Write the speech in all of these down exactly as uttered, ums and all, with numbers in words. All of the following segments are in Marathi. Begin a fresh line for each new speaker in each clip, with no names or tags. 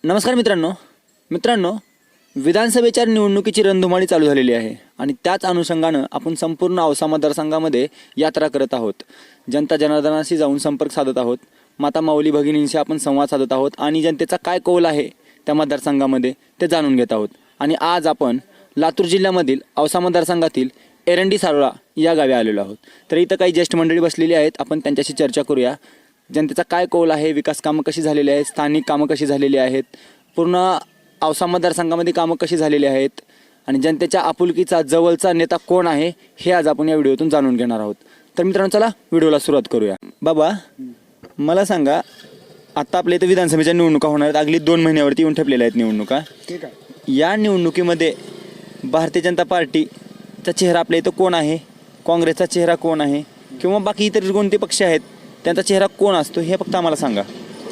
नमस्कार मित्रांनो मित्रांनो विधानसभेच्या निवडणुकीची रणधुमाळी चालू झालेली आहे आणि त्याच अनुषंगानं आपण संपूर्ण औसा मतदारसंघामध्ये यात्रा करत आहोत. जनता जनार्दनाशी जाऊन संपर्क साधत आहोत. माता माऊली भगिनींशी आपण संवाद साधत आहोत आणि जनतेचा काय कौल आहे त्या मतदारसंघामध्ये ते जाणून घेत आहोत. आणि आज आपण लातूर जिल्ह्यामधील औसा मतदारसंघातील एरंडी सारोळा या गावी आलेलो आहोत. तर इथं काही ज्येष्ठ मंडळी बसलेली आहेत. आपण त्यांच्याशी चर्चा करूया. जनतेचा काय कौल आहे, विकास कामं कशी झालेली आहेत, स्थानिक कामं कशी झालेली आहेत, पूर्ण औसा मतदारसंघामध्ये कामं कशी झालेली आहेत आणि जनतेच्या आपुलकीचा जवळचा नेता कोण आहे हे आज आपण या व्हिडिओतून जाणून घेणार आहोत. तर मित्रांनो चला व्हिडिओला सुरुवात करूया. बाबा मला सांगा, आता आपल्या इथं विधानसभेच्या निवडणुका होणार आहेत. अगदी दोन महिन्यावरती येऊन ठेपलेल्या आहेत निवडणुका.
ठीक आहे.
या निवडणुकीमध्ये भारतीय जनता पार्टीचा चेहरा आपल्या इथं कोण आहे, काँग्रेसचा चेहरा कोण आहे किंवा बाकी इतर कोणते पक्ष आहेत त्यांचा चेहरा कोण असतो हे फक्त आम्हाला सांगा.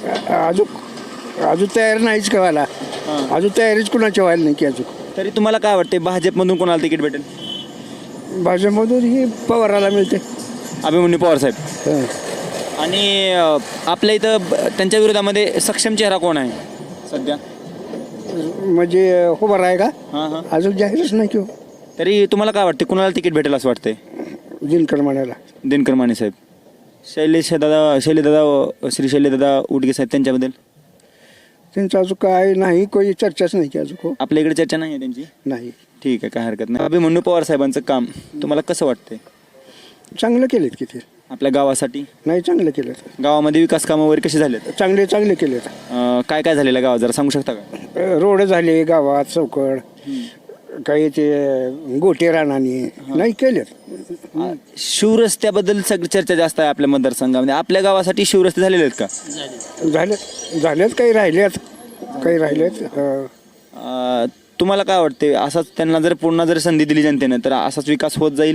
अजून अजून तयार नाहीच व्हायला. अजून तयारीच कुणाची व्हायला नाही की अजून.
तरी तुम्हाला काय वाटते भाजपमधून कोणाला तिकीट भेटेल?
भाजपमधून ही पवाराला मिळते.
अभिमन्यू पवार साहेब.
हं.
आणि अ, आपल्या इथं ब- त्यांच्या विरोधामध्ये सक्षम चेहरा कोण आहे सध्या?
म्हणजे उभा आहे का?
हां हां.
अजून जाहीरच नाही किंवा
तरी तुम्हाला काय वाटते कुणाला तिकीट भेटेल असं वाटतंय?
दिनकर म्हणायला.
दिनकर माने साहेब, शैलेश दादा शैलेदादा श्री शैलेदादा उडगे साहेब त्यांच्याबद्दल
त्यांचं अजून काय नाही, काही चर्चाच नाही की अजून हो
आपल्या इकडे चर्चा नाही आहे त्यांची.
नाही.
ठीक आहे, काय हरकत नाही. अभिमन्यू पवार साहेबांचं काम तुम्हाला कसं वाटतंय
चांगलं केलेत की ते?
आपल्या गावासाठी?
नाही, चांगलं केलं.
गावामध्ये विकास कामं वगैरे कशी झालेत?
चांगले चांगले केलेत.
अं, काय काय झालेलं गावात जरा सांगू शकता का?
रोड झाले गावात, चौकड, काही ते गोटे रानानी नाही केलेत.
शिवरस्त्याबद्दल सगळी चर्चा जास्त आहे आपल्या मतदारसंघामध्ये. आपल्या गावासाठी शिवरस्ते झालेले आहेत का?
झालेत झालेत काही राहिलेत काही राहिलेत हं.
अं, तुम्हाला काय वाटते असाच त्यांना जर पुन्हा जर संधी दिली जनतेनं तर असाच विकास होत जाईल?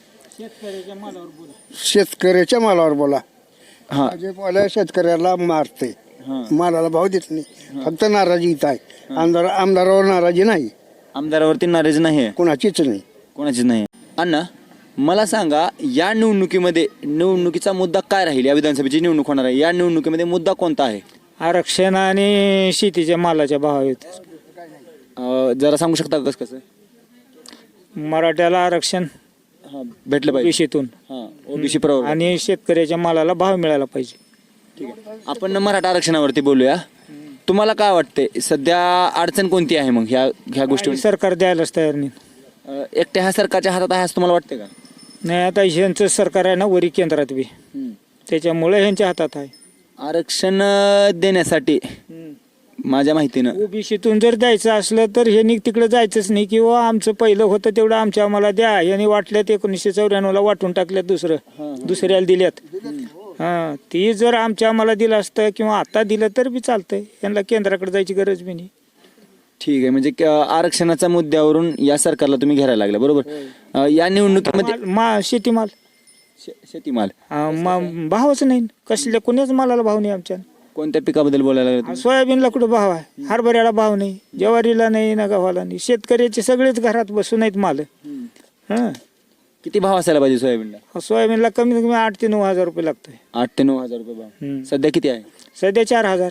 शेतकऱ्याच्या मालावर बोला.
हां
भाजपवाल्या शेतकऱ्याला मारते,
हां.
मालाला भाव देत नाही. फक्त नाराजी इथं आहे. आमदार आमदारावर नाराजी नाही,
आमदारावरती नाराजी नाही आहे,
कुणाचीच नाही.
कोणाचीच नाही. अण्णा मला सांगा, या निवडणुकीमध्ये निवडणुकीचा मुद्दा काय राहील? या विधानसभेची निवडणूक होणार आहे, या निवडणुकीमध्ये मुद्दा कोणता आहे?
आरक्षण आणि शेतीच्या मालाच्या भावात.
अं, जरा सांगू शकता का कसं कसं?
मराठ्याला आरक्षण
हां भेटलं पाहिजे.
ओबीसीतून
हां ओबीसी प्रवर्ग.
आणि शेतकऱ्याच्या मालाला भाव मिळाला पाहिजे.
ठीक आहे, आपण मराठा आरक्षणावरती बोलूया. तुम्हाला काय वाटते सध्या अडचण कोणती आहे मग ह्या ह्या गोष्टी?
आणि सरकार द्यायलाच तयार नाही.
एकट्या ह्या सरकारच्या हातात आहे असं तुम्हाला वाटते का?
नाही, आता ह्यांचं सरकार आहे ना वरी केंद्रात बी, त्याच्यामुळे ह्यांच्या हातात आहे.
आरक्षण अं, देण्यासाठी माझ्या माहितीनं
ओबीसीतून जर द्यायचं असलं तर ह्यांनी तिकडे जायचंच नाही, किंवा आमचं पहिलं होतं तेवढं आमच्या आम्हाला द्या. यांनी वाटल्यात एकोणीसशे चौऱ्याण्णवला वाटून टाकल्यात, दुसरं दुसऱ्याला दिल्यात. हां, ती जर आमच्या आम्हाला दिलं असतं किंवा आता दिलं तर बी चालतंय. यांना केंद्राकडे जायची गरज बी नाही.
ठीक आहे, म्हणजे क- आरक्षणाच्या मुद्द्यावरून या सरकारला तुम्ही घ्यायला लागला बरोबर. अं, या निवडणुकीमध्ये
माल- मा शेतीमाल
शे- शेतीमाल
हा, मा- भावच नाही. कसल्या कोण्याच मालाला भाव नाही आमच्या.
कोणत्या पिकाबद्दल बोलायला लागला तुम्ही?
सोयाबीनला कुठं भाव आहे, हरभऱ्याला भाव नाही, ज्वारीला नाही ना, गव्हाला नाही. शेतकऱ्याचे सगळेच घरात बसून आहेत माल. हां,
किती भाव असायला पाहिजे सोयाबीनला?
सोयाबीनला कमीत कमी आठ ते नऊ हजार रुपये लागतोय.
आठ ते नऊ हजार रुपये भाव.
हम्म.
सध्या किती आहे?
सध्या चार हजार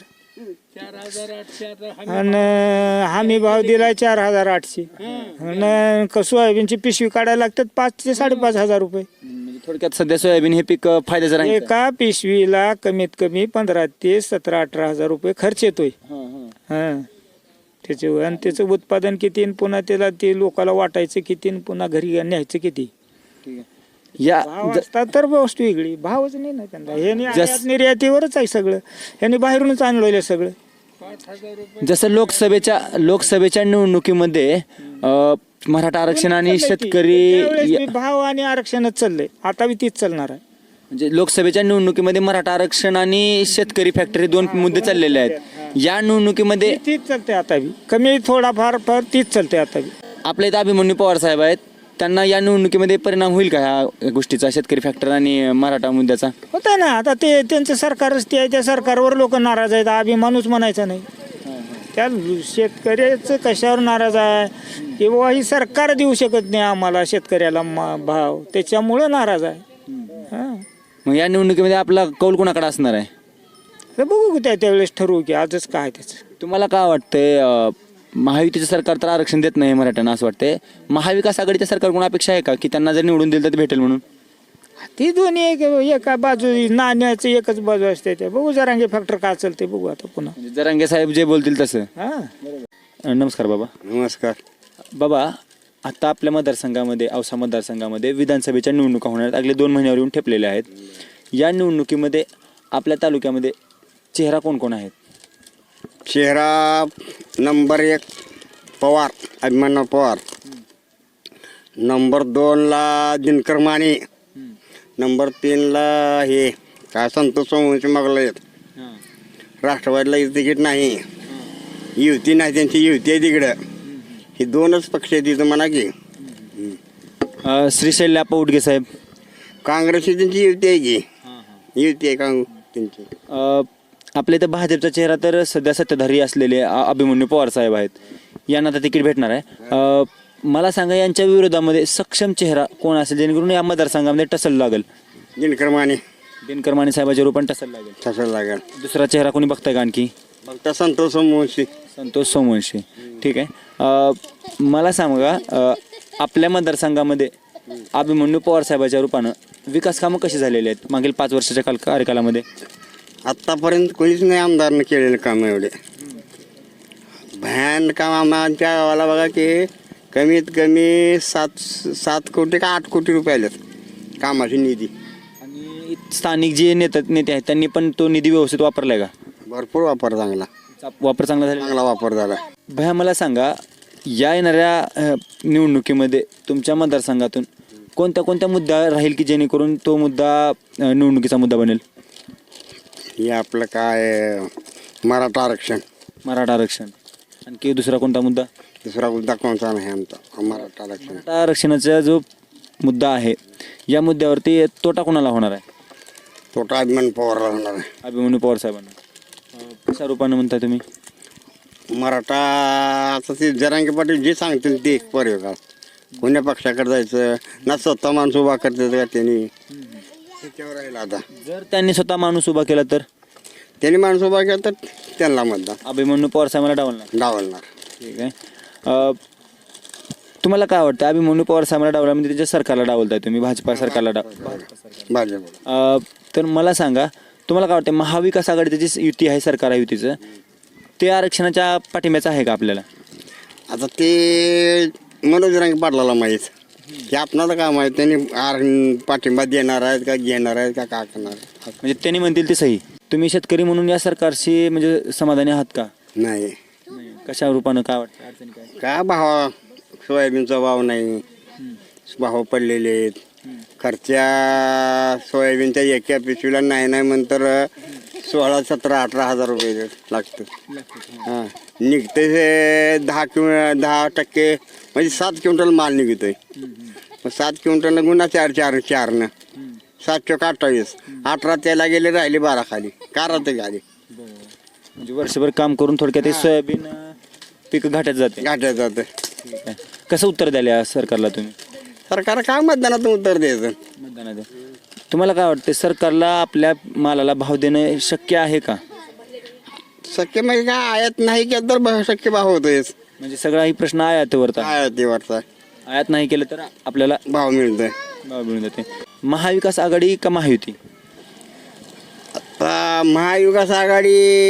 आणि हमी भाव दिलाय चार हजार आठशे. आणि क- सोयाबीनची पिशवी काढायला लागतात पाच ते साडेपाच हजार रुपये.
म्हणजे थोडक्यात सध्या सोयाबीन हे पीक अं, फायद्याचं राहील का?
एका पिशवीला कमीत कमी पंधरा ते सतरा अठरा हजार रुपये खर्च येतोय.
हां, हां.
हां, त्याचं आणि त्याचं उत्पादन किती आणि पुन्हा त्याला ते लोकाला वाटायचं किती आणि पुन्हा घरी न्यायचं किती.
ठीक आहे. या
भाव
ज-
असतात तर वस्तू वेगळी, भावच नाही ना त्यांना. ह्यानी
जस-
आयात निर्यातीवरच आहे सगळं. ह्यांनी बाहेरूनच आणलेलं सगळं.
जसं लोकसभेच्या लोकसभेच्या निवडणुकीमध्ये अं, मराठा आरक्षण आणि शेतकरी
त्यावेळेस
या-
बी भाव आणि आरक्षणच चाललंय, आता बी तीच चालणार आहे.
म्हणजे लोकसभेच्या निवडणुकीमध्ये मराठा आरक्षण आणि शेतकरी फॅक्टरी दोन मुद्दे चाललेले आहेत. या निवडणुकीमध्ये
तीच चालते आता बी, कमी थोडाफार फार तीच चालते आता बी.
आपल्या इथं अभिमन्यू पवार साहेब आहेत, त्यांना या निवडणुकीमध्ये परिणाम होईल का ह्या गोष्टीचा, शेतकरी फॅक्टर आणि मराठा मुद्द्याचा?
होत आहे ना. आता ते त्यांचं सरकारच ते आहे, त्या सरकारवर लोक नाराज आहेत. अभिमानूच म्हणायचा नाही. त्या शेतकऱ्याचं कशावर नाराज आहे किंवा ही सरकार देऊ शकत नाही आम्हाला शेतकऱ्याला मा- भाव, त्याच्यामुळं नाराज आहे. हां,
मग या निवडणुकीमध्ये आपला कौल कोणाकडे असणार आहे?
तर बघू की त्या त्यावेळेस ठरवू की आजच काय त्याचं.
तुम्हाला काय वाटतंय अं, महायुतीचं सरकार तर आरक्षण देत नाही मराठ्यांना असं वाटतंय. महाविकास आघाडीच्या सरकारकडून अपेक्षा आहे का की त्यांना जर निवडून दिलं तर ते भेटेल म्हणून?
ती दोन्ही एक एका बाजू नाण्याचं एकच बाजू असते ते बघू जरांगे फॅक्टर काय चालते बघू आता पुन्हा.
म्हणजे जरांगे साहेब जे बोलतील तसं.
हा
अं, नमस्कार बाबा.
नमस्कार.
बाबा आता आपल्या मतदारसंघामध्ये औसा मतदारसंघामध्ये विधानसभेच्या निवडणुका होणार आहेत. अगले दोन महिन्यावर येऊन ठेपलेल्या आहेत. या निवडणुकीमध्ये आपल्या तालुक्यामध्ये चेहरा कोण कोण आहेत?
चेहरा नंबर एक पवार, अभिमन्यू पवार. नंबर दोनला दिनकर माने. नंबर तीनला हे काय संतोष सोमवंशी मागला आहेत. राष्ट्रवादीला तिकीट नाही, युती नाही, त्यांची युती आहे तिकडं. ही दोनच पक्ष आहेत तिथं म्हणा की.
अं, श्रीशैल्य आप्पा उडगे साहेब.
काँग्रेसची त्यांची युती आहे की, युती आहे काँग त्यांची.
अं, आपल्या इथं भाजपचा चेहरा तर सध्या सत्ताधारी असलेले अ- अभिमन्यू पवार साहेब आहेत. यांना आता तिकीट भेटणार आहे. अं, मला सांगा यांच्या विरोधामध्ये सक्षम चेहरा कोण असेल जेणेकरून या मतदारसंघामध्ये टसल लागेल?
दिनकर माने
दिनकर माने साहेबाच्या रूपाने टसल लागेल.
तसं लागेल.
दुसरा चेहरा कोणी बघताय का आणखी?
फक्त संतोष सोमवंशी.
संतोष सोमवंशी. ठीक आहे. अं, मला सांगा अं, आपल्या मतदारसंघामध्ये अभिमन्यू पवार साहेबाच्या रूपानं विकास कामं कशी झालेली आहेत मागील पाच वर्षाच्या काल कार्यकालामध्ये?
आत्तापर्यंत कोणीच नाही आमदारनं केलेलं काम एवढे भयान काम. आमच्या गावाला बघा की कमीत कमी सात सात कोटी का आठ कोटी रुपये आलेत कामाची निधी.
आणि स्थानिक जे नेते नेते आहेत त्यांनी पण तो निधी व्यवस्थित वापरलाय का?
भरपूर वापर चांगला
वापर चांगला झाला?
चांगला वापर झाला.
भया मला सांगा या येणाऱ्या अ, निवडणुकीमध्ये तुमच्या मतदारसंघातून कोणत्या कोणत्या मुद्दा राहील की जेणेकरून तो मुद्दा अ, निवडणुकीचा मुद्दा बनेल?
हे आपलं काय मराठा आरक्षण.
मराठा आरक्षण. आणखी दुसरा कोणता मुद्दा?
दुसरा मुद्दा कोणता नाही आमचा मराठा आरक्षण.
मराठा आरक्षणाचा जो मुद्दा आहे या मुद्द्यावरती तोटा कोणाला होणार आहे?
तोटा अभिमान पवारला होणार आहे.
अभिमन्यू पवार साहेबांना. अ, कशा रूपानं म्हणताय तुम्ही?
मराठा आता ते जरांगे पाटील जे सांगतील ते पर्याय का कोण्या पक्षाकडे जायचं ना स्वतः माणूस उभा करतात का त्यांनी त्याच्यावर राहिलं. आता
जर त्यांनी स्वतः माणूस उभा केला तर
त्यांनी माणूस उभा केला तर त्यांना मतदान
अभिमन्यू पवार साहेबांना डावलणार.
डावलणार.
ठीक आहे. अ, तुम्हाला काय वाटतं अभिमन्यू पवार साहेबांना डावला म्हणजे त्याच्या सरकारला डावलताय तुम्ही, भाजपा सरकारला डाव.
भाजप.
अ, तर मला सांगा तुम्हाला काय वाटतं महाविकास आघाडीची जी युती आहे सरकार आहे युतीचं ते आरक्षणाच्या पाठिंब्याचं आहे का आपल्याला?
आता ते मनोज जरांगे पाटलाला माहीत की आपणाला काय माहीत त्यांनी आर पाठिंबा देणार आहेत का घेणार आहेत का काय करणार आहेत.
म्हणजे त्यांनी म्हणतील ते सही. तुम्ही शेतकरी म्हणून या सरकारशी म्हणजे समाधानी आहात का?
नाही
कशा रूपानं काय वाटतं अडचणी काय?
का भाव सोयाबीनचा भाव नाही, भाव पडलेले आहेत. खर्च्या सोयाबीनच्या एका पिशवीला नाही नाही म्हणतर सोळा सतरा अठरा हजार रुपये लागतं. हां निघते हे दहा किंवा दहा टक्के म्हणजे सात क्विंटल माल निघतोय. मग सात क्विंटल गुन्हा चार चार चारनं सात चौक अठ्ठावीस अठरा त्याला गेले राहिले बारा खाली का राहते गाडी.
म्हणजे वर्षभर काम करून थोडक्यात हे सोयाबीन अ, पीक घाट्यात जाते.
गाठ्यात जातं.
ठीक आहे. कसं उत्तर द्याल या सरकारला तुम्ही?
सरकार काय मतदानातून उत्तर द्यायचं.
मतदानात तुम्हाला काय वाटतं सरकारला आपल्या मालाला भाव देणं शक्य आहे का?
शक्य म्हणजे काय आयात नाही केलं तर भाव- शक्य भाव होतोयच.
म्हणजे सगळा ही प्रश्न आयातीवरचा आहे.
आयातीवरचा
आयात नाही केलं तर आपल्याला
भाव मिळतोय.
भाव मिळून जाते. महाविकास आघाडी का महायुती?
आता महाविकास आघाडी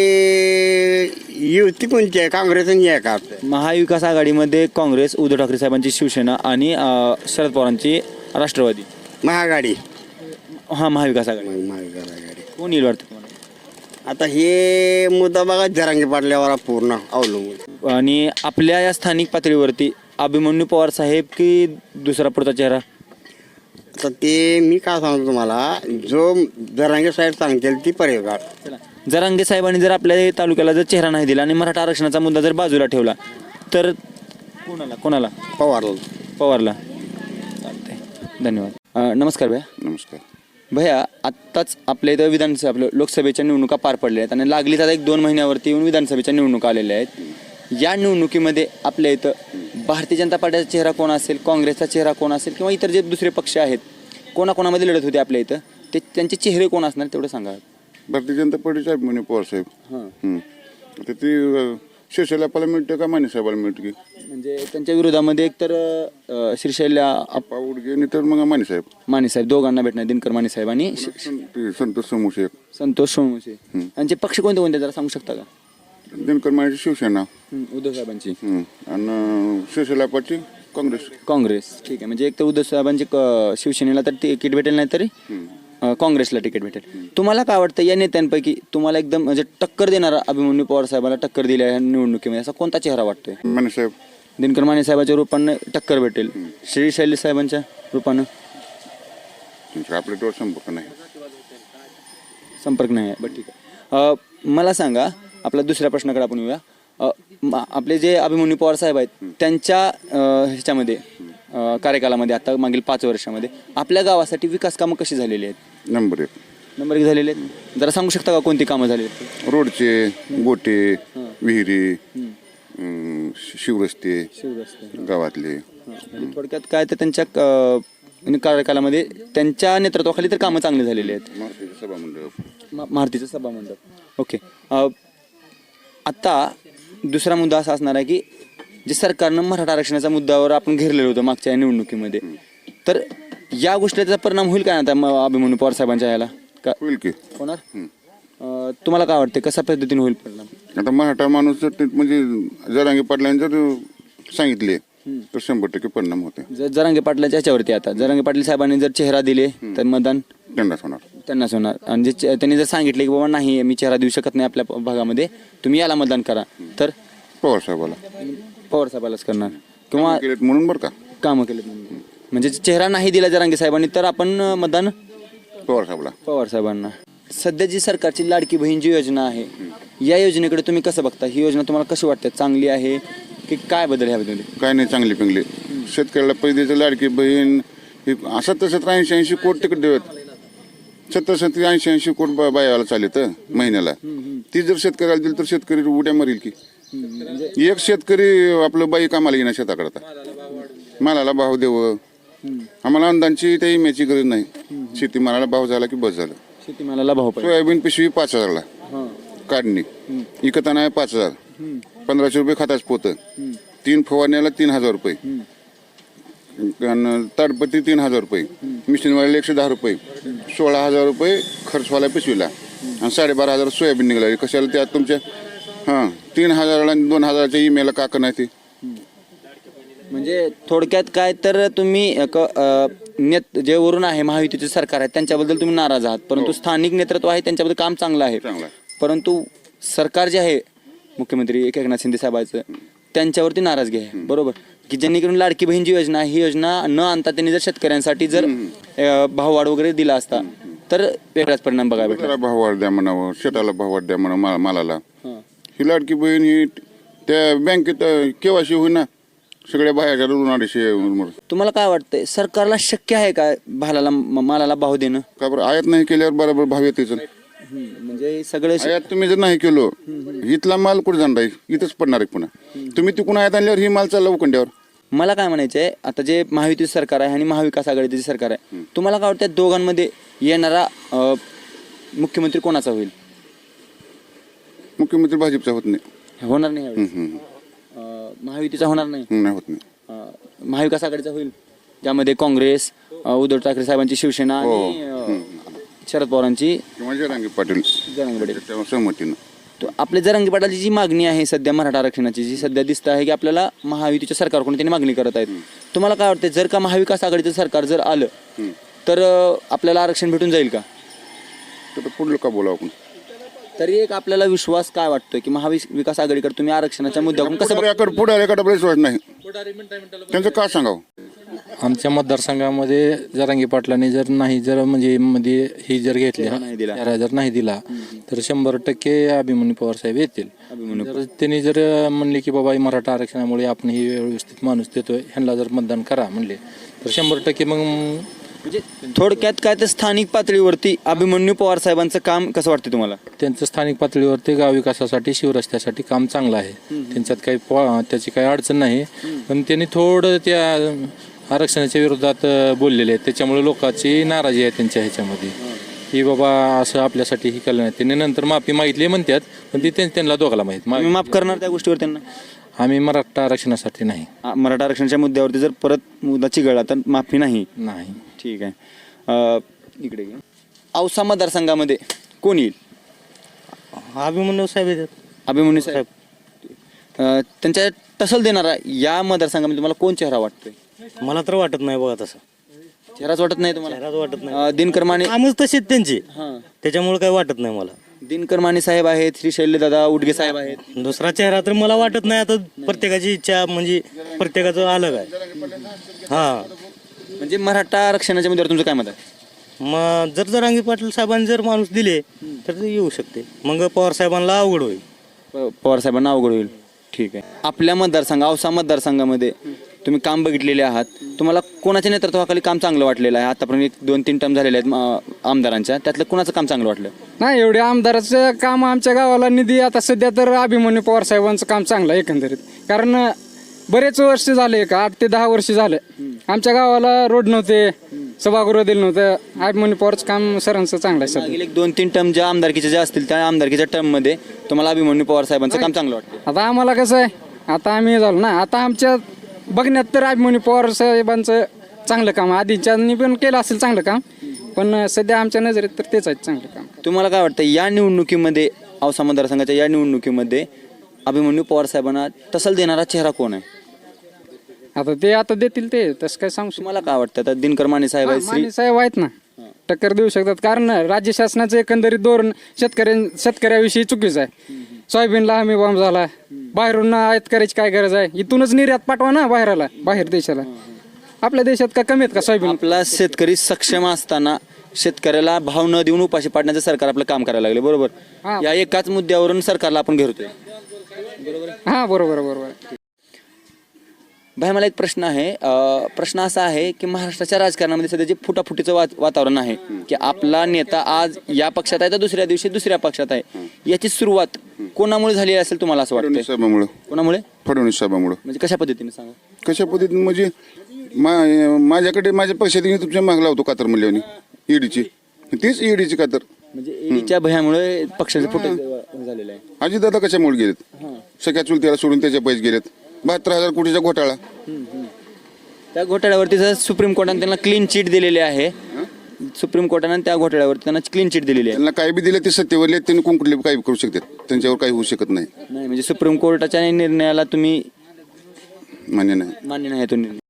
युती कोणती आहे? काँग्रेस आणि आहे का?
महाविकास आघाडीमध्ये काँग्रेस उद्धव ठाकरे साहेबांची शिवसेना आणि अ, शरद पवारांची राष्ट्रवादी.
महाआघाडी.
हा महाविकास आघाडी.
महाविकास आघाडी.
कोण येईल वाटतं तुम्हाला?
आता हे मुद्दा बघा जरांगे पाटल्यावर पूर्ण अवलंबून.
आणि आपल्या या स्थानिक पातळीवरती अभिमन्यू पवार साहेब की दुसरा पुढचा चेहरा?
तर ते मी काय सांगतो तुम्हाला जो जरांगे साहेब सांगतील ती पर्याय काढ.
चला जरांगे साहेबांनी जर आपल्या तालुक्याला जर चेहरा नाही दिला आणि मराठा आरक्षणाचा मुद्दा जर बाजूला ठेवला तर कोणाला कोणाला
पवारला.
पवारला. चालतंय. धन्यवाद. अ, नमस्कार भैया.
नमस्कार.
भैया आत्ताच आपल्या इथं विधानसभा आपल्या लोकसभेच्या निवडणुका पार पडल्या आहेत आणि लागलीच आता एक दोन महिन्यावरती येऊन विधानसभेच्या निवडणुका आलेल्या आहेत. या निवडणुकीमध्ये आपल्या इथं भारतीय जनता पार्टीचा चेहरा कोण असेल, काँग्रेसचा चेहरा कोण असेल किंवा इतर जे दुसरे पक्ष आहेत कोणाकोणामध्ये लढत होते आपल्या इथं ते त्यांचे चेहरे कोण असणार तेवढं सांगा.
भारतीय जनता पार्टीचे अभिमन्यू पवार साहेब.
हां
हं. आता ते अ, शिवसेनाला मिळतं का माने साहेबाला मिळतं की
म्हणजे त्यांच्या विरोधामध्ये एकतर अ, श्रीशैल्या अप-
आप्पा उडगे नाही तर मग माने साहेब
माने साहेब दोघांना भेटणार, दिनकर माने साहेब आणि श-
ते संतोष समोसे एक.
संतोष सोमवंशी. यांचे पक्ष कोणते कोणते जरा सांगू शकता का?
दिनकर मानेची शिवसेना
हं, उद्धव साहेबांची
हं. आणि शिवसेनापाची काँग्रेस.
काँग्रेस. ठीक आहे, म्हणजे एक तर उद्धव साहेबांची क- शिवसेनेला तर तिकीट भेटेल नाही तरी अ, काँग्रेसला तिकीट भेटेल. तुम्हाला काय वाटतं या नेत्यांपैकी तुम्हाला एकदम म्हणजे टक्कर देणारा अभिमन्यू पवार साहेबाला टक्कर दिल्या या निवडणुकीमध्ये असा कोणता चेहरा वाटतोय?
माने साहेब
दिनकर माने साहेबाच्या रूपानं टक्कर भेटेल, श्री शैली साहेबांच्या रूपानं
त्यांचा आपल्या डोळ संपर्क नाही.
संपर्क नाही आहे. बरं ठीक आहे. अ, मला सांगा, आपल्या दुसऱ्या प्रश्नाकडे आपण येऊया. अ, म- आपले जे अभिमन्यू पवार साहेब आहेत त्यांच्या अ, ह्याच्यामध्ये अ, कार्यकालामध्ये आता मागील पाच वर्षामध्ये आपल्या गावासाठी विकास कामं कशी झालेली आहेत?
नंबर एक
नंबर एक झालेले आहेत. जरा सांगू शकता का कोणती कामं झालेली आहेत?
रोडचे, गोटे, विहिरी, अं, शिवरस्ते गावातले.
म्हणजे थोडक्यात काय तर त्यांच्या अ, कार्यकालामध्ये त्यांच्या नेतृत्वाखाली तर कामं चांगली झालेली आहेत.
महाराष्ट्राचं सभामंडप.
मा- मारुतीचं सभामंडप. ओके. अ, आता दुसरा मुद्दा असा असणार आहे की जे सरकारनं मराठा आरक्षणाच्या मुद्द्यावर आपण घेरलेलं होतं मागच्या या निवडणुकीमध्ये, तर या गोष्टीचा परिणाम होईल काय आता म- अभिमन्यू पवार साहेबांच्या याला का
होईल की
होणार? अ, तुम्हाला काय वाटते कशा पद्धतीने होईल परिणाम?
आता मराठा माणूस जर ते म्हणजे जरांगे पाटलांनी जर सांगितले तर शंभर टक्के परिणाम होते.
जर जरांगे पाटलाच्या ह्याच्यावरती आता जरांगे पाटील साहेबांनी जर चेहरा दिले तर मतदान
त्यांनाच होणार.
त्यांनाच होणार. आणि जे चे- त्यांनी जर सांगितले की बाबा नाही मी चेहरा देऊ शकत नाही आपल्या भागामध्ये, तुम्ही याला मतदान करा, तर
पवार साहेबाला
पवार साहेबालाच करणार किंवा
केलेत म्हणून बरं का
कामं केले म्हणून. म्हणजे चेहरा नाही दिला जरांगे साहेबांनी तर आपण अं, मतदान
पवार साहेबाला.
पवार साहेबांना. सध्या जी सरकारची लाडकी बहीण जी योजना आहे या योजनेकडे तुम्ही कसं बघता? ही योजना तुम्हाला कशी वाटते? चांगली आहे की काय बदल ह्याबद्दल?
काय नाही, चांगली पिंगली. शेतकऱ्याला पैसे लाडकी बहीण हे असं तसं ऐंशी ऐंशी कोट तिकीट देत सत्तर सत्तर ऐंशी ऐंशी कोट बा- बायाला चालत महिन्याला. ती जर शेतकऱ्याला दिली तर शेतकरी उड्या मरेल की. एक शेतकरी आपलं बाई कामाला येणार शेताकडे आता मालाला भाव देव. आम्हाला अंदांची त्या इम्याची गरज नाही. शेती मालाला भाव झाला की बस झालं.
शेतीमालाला भाव पाहिजे.
सोयाबीन पिशवी पाच हजारला काढणी, इकताना आहे पाच हजार. पंधराशे रुपये खताच पोतं, तीन फवारण्याला तीन हजार रुपये, आणि ताडपत्री तीन हजार रुपये, मिशनवाल्याला एकशे दहा रुपये, सोळा हजार रुपये खर्चवाला पिशवीला आणि साडेबारा हजार सोयाबीन निघाली. कशाला त्यात तुमच्या हां तीन हजाराला आणि दोन हजाराच्या ईमेला का नाही ते.
म्हणजे थोडक्यात काय तर तुम्ही एक, अं, नेत जे वरून आहे महायुतीचे सरकार आहे त्यांच्याबद्दल तुम्ही नाराज आहात, परंतु स्थानिक नेतृत्व आहे त्यांच्याबद्दल काम चांगलं आहे.
चांगलं आहे.
परंतु सरकार जे आहे मुख्यमंत्री एक एकनाथ शिंदे साहेबांचं त्यांच्यावरती नाराजगी आहे. बरोबर की ज्यांनी करून लाडकी बहीण जी योजना आहे ही योजना न आणता त्यांनी जर शेतकऱ्यांसाठी जर अं, भाववाढ वगैरे दिला असता तर वेगळाच परिणाम बघायला भेटला.
त्याला भाव वाढ द्या म्हणावं, शेताला भाव वाढ द्या म्हणा मा- मालाला. ही लाडकी बहीण ही त्या बँकेत केवायसी होईना सगळ्या बाहेरच्या दोन अडीचशे.
तुम्हाला काय वाटतंय सरकारला शक्य आहे का भालाला म- मालाला भाव देणं?
का बरं आयात नाही केल्यावर बरोबर भाव येतेच.
म्हणजे सगळे
आयात तुम्ही जर नाही केलो इथला माल कुठे जाणार आहे? इथंच पडणार आहे पुन्हा. तुम्ही तिकडून आयात आणल्यावर ही माल चालला उकंड्यावर.
मला काय म्हणायचंय, आता जे महायुती सरकार आहे आणि महाविकास आघाडीचे जे सरकार आहे, तुम्हाला काय वाटतं दोघांमध्ये येणारा अं, मुख्यमंत्री कोणाचा होईल?
मुख्यमंत्री भाजपचा होत नाही.
होणार नाही यावेळेस.
हम्म, हम्म.
अं, महायुतीचा होणार नाही.
हम्म, नाही होत नाही.
अं, महाविकास आघाडीचा होईल, ज्यामध्ये काँग्रेस, अं, उद्धव ठाकरे साहेबांची शिवसेना आणि अं, शरद पवारांची
किंवा जरांगे पाटील
जरांगे पाटील.
त्याच्या सहमतीनं.
तो आपल्या जरांगे पाटलाची जी मागणी आहे सध्या मराठा आरक्षणाची, जी सध्या दिसत आहे की आपल्याला महायुतीच्या सरकारकडून त्यांनी मागणी करत आहेत, तुम्हाला काय वाटतं जर का महाविकास आघाडीचं सरकार जर आलं तर अं, आपल्याला आरक्षण भेटून जाईल का?
तर पुढलं का बोलावं आपण?
तरी एक आपल्याला विश्वास काय वाटतोय की महाविकास आघाडीकडे तुम्ही आरक्षणाच्या मुद्द्यावरून कसं बघ-
पुढाऱ्याकडे पुढाऱ्याकडे आपल्याला विश्वास नाही. त्यांचं का सांगावं?
आमच्या मतदारसंघामध्ये जरांगे पाटलांनी जर नाही जर म्हणजे मध्ये ही जर घेतली
नाही दिला.
चेहरा जर नाही दिला तर शंभर टक्के अभिमन्यू पवार साहेब येतील. जर त्यांनी जर म्हणले की बाबा मराठा आरक्षणामुळे आपण ही व्यवस्थित माणूस देतोय ह्यांना जर मतदान करा म्हणले तर शंभर टक्के मग
म्हणजे थोडक्यात काय तर स्थानिक पातळीवरती अभिमन्यू पवार साहेबांचं काम कसं वाटतं तुम्हाला?
त्यांचं स्थानिक पातळीवरती गाव विकासासाठी शिवरस्त्यासाठी काम चांगलं आहे. त्यांच्यात काही पॉ- त्याची काही अडचण नाही, पण त्यांनी थोडं त्या आरक्षणाच्या विरोधात बोललेले आहेत त्याच्यामुळे लोकांची नाराजी आहे त्यांच्या ह्याच्यामध्ये की बाबा असं आपल्यासाठी हे केलं नाही. त्यांनी नंतर माफी मागितली म्हणतात, पण ती त्यां- त्यांना दोघाला माहीत.
तुम्ही माफ करणार त्या गोष्टीवर त्यांना?
आम्ही मराठा आरक्षणासाठी नाही.
आ, मराठा आरक्षणाच्या मुद्द्यावरती जर परत मुद्दा चिघळला तर माफी नाही.
नाही.
ठीक आहे. अ, इकडे घे. औसा मतदारसंघामध्ये कोण येईल?
अभिमन्यू साहेब येतात.
अभिमन्यू साहेब. अ, त्यांच्या टसल देणारा या मतदारसंघामध्ये तुम्हाला कोण चेहरा वाटतोय?
मला तर वाटत नाही बघा तसं.
चेहराच वाटत नाही तुम्हाला?
चेहराच वाटत नाही.
अ, दिनकर माने.
कामच तशीच त्यांची,
हां.
त्याच्यामुळे काही वाटत नाही मला.
दिनकर माने साहेब आहेत, श्री शैल्यदादा उडगे साहेब आहेत.
दुसरा चेहरा तर मला वाटत नाही. आता प्रत्येकाची इच्छा म्हणजे प्रत्येकाचं अलग आहे. हा,
म्हणजे मराठा आरक्षणाच्या मुद्द्यावर तुमचं काय मत आहे?
मग जर जरांगी पाटील साहेबांनी जर माणूस दिले तर ते येऊ शकते. मग पवार साहेबांना अवघड होईल.
प- पवार साहेबांना अवघड होईल. ठीक आहे. आपल्या मतदारसंघ औसा मतदारसंघामध्ये तुम्ही काम बघितलेले आहात, तुम्हाला कोणाच्या नेतृत्वाखाली काम चांगलं वाटलेलं आहे? आतापर्यंत एक दोन तीन टर्म झालेले आहेत अ, आमदारांच्या, त्यातलं कोणाचं काम चांगलं वाटलं?
नाही एवढे आमदाराचं काम आमच्या गावाला निधी आता सध्या तर अभिमन्यू पवार साहेबांचं काम चांगलं आहे एकंदरीत. कारण बरेच वर्ष झाले, एक आठ ते दहा वर्ष झाले आमच्या गावाला रोड नव्हते, सभागृह दिलं नव्हतं. अभिमन्यू पवारचं काम सरांचं चांगलं आहे सध्या.
मागील एक दोन तीन टर्म ज्या आमदारकीच्या ज्या असतील त्या आमदारकीच्या टर्ममध्ये तुम्हाला अभिमन्यू पवार साहेबांचं काम चांगलं वाटतं?
आता आम्हाला कसं आहे, आता आम्ही झालो ना, आता आमच्या बघण्यात तर अभिमन्यू पवार साहेबांचं चांगलं काम आधीच्यांनी पण केलं असेल चांगलं काम, पण सध्या आमच्या नजरेत तर तेच आहे चांगलं काम.
तुम्हाला काय वाटतं या निवडणुकीमध्ये, औसा मतदारसंघाच्या या निवडणुकीमध्ये अभिमन्यू पवार साहेबांना टसल देणारा चेहरा कोण आहे?
आता ते आता देतील ते, तसं काय सांगू शकतो.
तुम्हाला काय वाटतं? आता दिनकर माने साहेब आहेत, श्री
माने साहेब आहेत ना, टक्कर देऊ शकतात. कारण राज्य शासनाचं एकंदरीत धोरण शेतकऱ्यां शेतकऱ्याविषयी चुकीचं आहे. सोयाबीनला हमी भाव झाला, बाहेरून आयात करायची काय गरज आहे? इथूनच निर्यात पाठवा ना बाहेरला, बाहेर देशाला. आपल्या देशात का कमी आहेत का सोयाबीन?
आपला शेतकरी सक्षम असताना शेतकऱ्याला भाव न देऊन उपाशी पाडण्याचं सरकार आपलं काम करायला लागले, बरोबर?
हा.
या एकाच मुद्द्यावरून सरकारला आपण घेरतोय.
हा बरोबर बरोबर.
भाई मला एक प्रश्न आहे. अ, प्रश्न असा आहे की महाराष्ट्राच्या राजकारणामध्ये सध्या जे फुटाफुटीचं वा वातावरण आहे की आपला नेता आज या पक्षात आहे तर दुसऱ्या दिवशी दुसऱ्या पक्षात आहे, याची सुरुवात कोणामुळे झाली असेल तुम्हाला असं वाटतं?
फडणवीस साहेबामुळं.
कोणामुळे?
फडणवीस साहेबामुळं.
म्हणजे कशा पद्धतीने सांगा?
कशा पद्धतीने म्हणजे मा- माझ्याकडे माझ्या पक्षात तुमच्या माग लावतो कातर म्हणल्याने ईडीची, तीच ईडीची कातर.
म्हणजे ईडीच्या भयामुळे पक्षाचे फुट झालेलं आहे.
अजितदादा कशामुळे गेलेत? सगळ्या चुलत्याला सोडून त्याच्या पैसे गेलेत. बहात्तर हजार कोटीचा घोटाळा.
त्या घोटाळ्यावरती जर सुप्रीम कोर्टाने त्यांना क्लीन चिट दिलेली आहे, सुप्रीम कोर्टाने त्या घोटाळ्यावरती त्यांना क्लीन चिट दिलेली आहे.
त्यांना काही बी दिलं ते सत्तेवर आहेत, त्यांनी कोण कुठले काही करू शकतात, त्यांच्यावर काही होऊ शकत नाही.
नाही म्हणजे सुप्रीम कोर्टाच्या निर्णयाला तुम्ही
मान्य नाही.
मान्य नाही तो निर्णय?